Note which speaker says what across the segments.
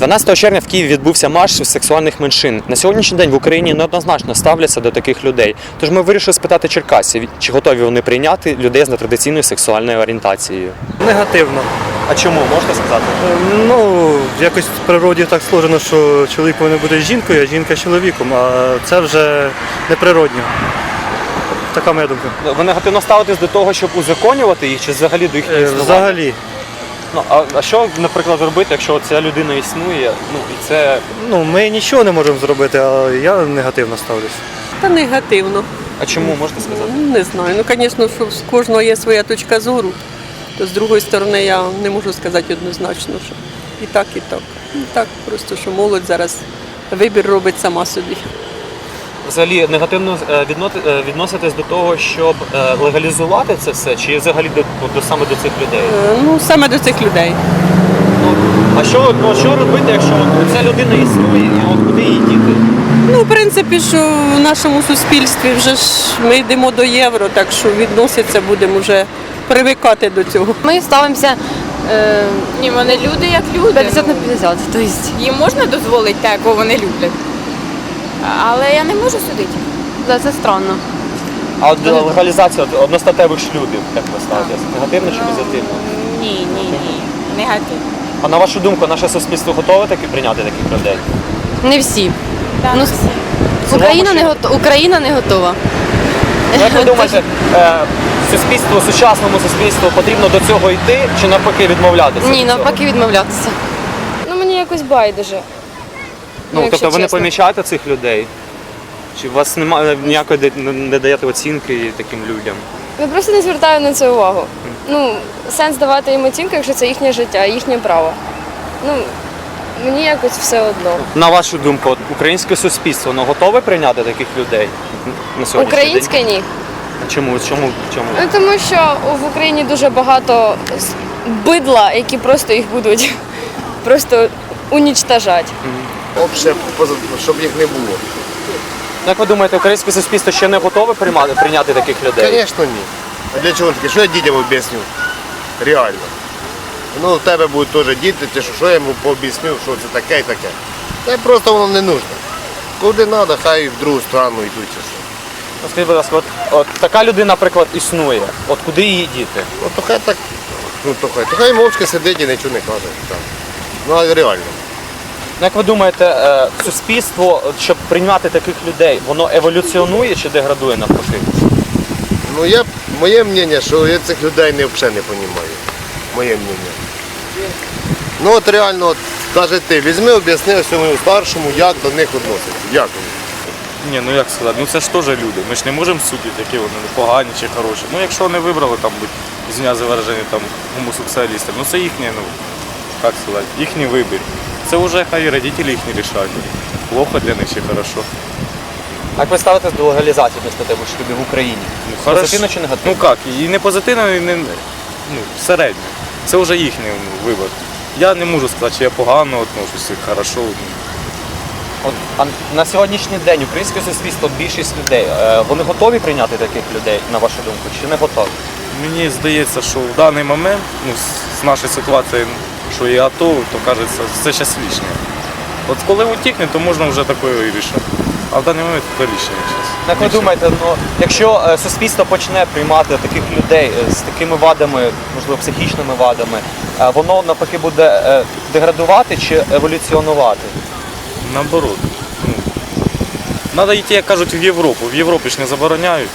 Speaker 1: 12 червня в Києві відбувся марш сексуальних меншин. На сьогоднішній день в Україні неоднозначно ставляться до таких людей. Тож ми вирішили спитати черкасців, чи готові вони прийняти людей з нетрадиційною сексуальною орієнтацією.
Speaker 2: Негативно.
Speaker 1: А чому, можете сказати?
Speaker 2: Ну, якось в природі так сложено, що чоловік повинен бути з жінкою, а жінка з чоловіком, а це вже неприродньо. Така моя думка.
Speaker 1: Ви негативно ставитесь до того, щоб узаконювати їх, чи взагалі до їхнього існування?
Speaker 2: Взагалі.
Speaker 1: Ну, а що, наприклад, робити, якщо ця людина існує, і це...
Speaker 2: Ну, ми нічого не можемо зробити, а я негативно ставлюсь.
Speaker 3: Та негативно.
Speaker 1: А чому, можете сказати?
Speaker 3: Не знаю. Ну, звісно, що з кожного є своя точка зору. То з другої сторони я не можу сказати однозначно, що і так, і так. Ну, так, просто що молодь зараз вибір робить сама собі.
Speaker 1: Взагалі негативно відноситесь до того, щоб легалізувати це все, чи взагалі саме до цих людей?
Speaker 3: Ну, саме до цих людей.
Speaker 1: А що робити, якщо ця людина існує, і куди її діти?
Speaker 3: Ну, в принципі, що в нашому суспільстві вже ж ми йдемо до євро, так що відноситься будемо вже привикати до цього.
Speaker 4: Ми ставимося
Speaker 5: Ні, вони люди як люди.
Speaker 4: 50 на 50. Тобто,
Speaker 5: Їм можна дозволити те, кого вони люблять. Але я не можу судити.
Speaker 4: це странно.
Speaker 1: А от легалізація одностатевих шлюбів, як ви ставитесь? Негативно чи позитивно?
Speaker 5: Ні. Негатив.
Speaker 1: А на вашу думку, наше суспільство готове таки прийняти таких людей?
Speaker 4: Не всі.
Speaker 5: Так,
Speaker 4: Ну, Україна не готова.
Speaker 1: Як ви думаєте, сучасному суспільству потрібно до цього йти чи навпаки відмовлятися?
Speaker 4: Ні,
Speaker 1: від цього?
Speaker 4: навпаки відмовлятися.
Speaker 6: Ну мені якось байдуже.
Speaker 1: Тобто ви не
Speaker 6: чесно.
Speaker 1: помічаєте цих людей? Чи у вас немає ніякої не даєте оцінки таким людям?
Speaker 6: Я просто не звертаю на це увагу. Ну, сенс давати їм оцінку, якщо це їхнє життя, їхнє право. Ну, мені якось все одно.
Speaker 1: На вашу думку, українське суспільство готове прийняти таких людей на сьогоднішній
Speaker 6: Українське ні.
Speaker 1: день? Чому?
Speaker 6: Ну, тому що в Україні дуже багато бидла, які просто їх будуть просто унічтажати.
Speaker 7: Обще, щоб їх не було.
Speaker 1: Як ви думаєте, українське суспільство ще не готове прийняти таких людей?
Speaker 7: Звісно, ні. А для чого таке? Що я дітям об'ясню? Реально. Ну, в тебе будуть теж діти, ти що я йому пооб'ясню, що це таке і таке. Це просто воно не нужно. Куди треба, хай в другу сторону йдуть. Чи що.
Speaker 1: Скажіть, будь ласка, от така людина, наприклад, існує. От куди її діти?
Speaker 7: Ну, то хай так, то хай мовчки сидить і нічого не каже. Так. Ну, а реально.
Speaker 1: Як ви думаєте, суспільство, щоб прийняти таких людей, воно еволюціонує чи деградує навпаки?
Speaker 7: Ну, моє мнення, що я цих людей взагалі не розумію. Моє мнення. Ну, от реально, от, каже ти, візьми, об'ясни своєму старшому, як до них відноситься. Як вони.
Speaker 8: Ні, ну як сказати, ну це ж теж люди. Ми ж не можемо судити, які вони погані чи хороші. Ну якщо вони вибрали там бути, извиняюсь за вираження, там гомосексуалістами, ну це їхнє, ну як сказати, їхній вибір. Це вже хай родителі їхні рішають. Плохо для них чи хорошо.
Speaker 1: Як ви ставитесь до легалізації одностатевих шлюбів в Україні? Позитивно чи негативно?
Speaker 8: Ну як, і не позитивно, і не середньо. Це вже їхній вибір. Я не можу сказати, чи я погано отношусь, чи хорошо.
Speaker 1: А на сьогоднішній день українське суспільство, більшість людей, вони готові прийняти таких людей, на вашу думку, чи не готові?
Speaker 8: Мені здається, що в даний момент, ну, з нашої ситуації, що є АТО, то кажеться, це зараз лишнє. От коли утікне, то можна вже таке і рішити. А в даний момент це лишнє зараз.
Speaker 1: Як ви думаєте, якщо суспільство почне приймати таких людей з такими вадами, можливо, психічними вадами, воно навпаки буде деградувати чи еволюціонувати?
Speaker 8: Наоборот. Треба йти, як кажуть, в Європу. В Європі ж не забороняють.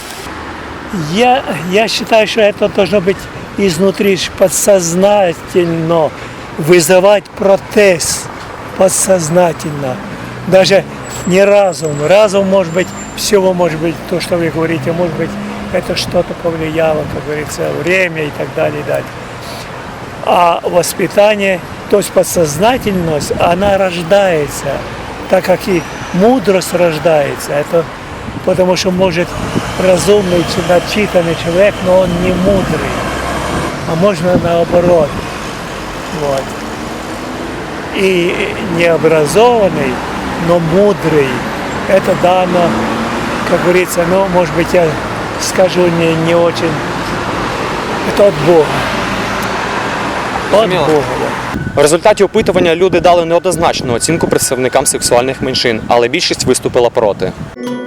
Speaker 9: Я считаю, что это должно быть изнутри подсознательно вызывать протест подсознательно. Даже не разум. Разум может быть, всего может быть, то, что вы говорите, может быть, это что-то повлияло, как говорится, время и так далее, и далее. А воспитание, то есть подсознательность, она рождается, так как и мудрость рождается. Это потому что может разумный, начитанный человек, но он не мудрый, а можно наоборот. Вот. И необразованный, но мудрый, это дано, как говорится, ну, может быть, я скажу не очень, это от Бога. От
Speaker 1: Зрозуміло.
Speaker 9: Бога.
Speaker 1: В результаті опитування люди дали неоднозначну оцінку представникам сексуальних меншин, але більшість виступила проти.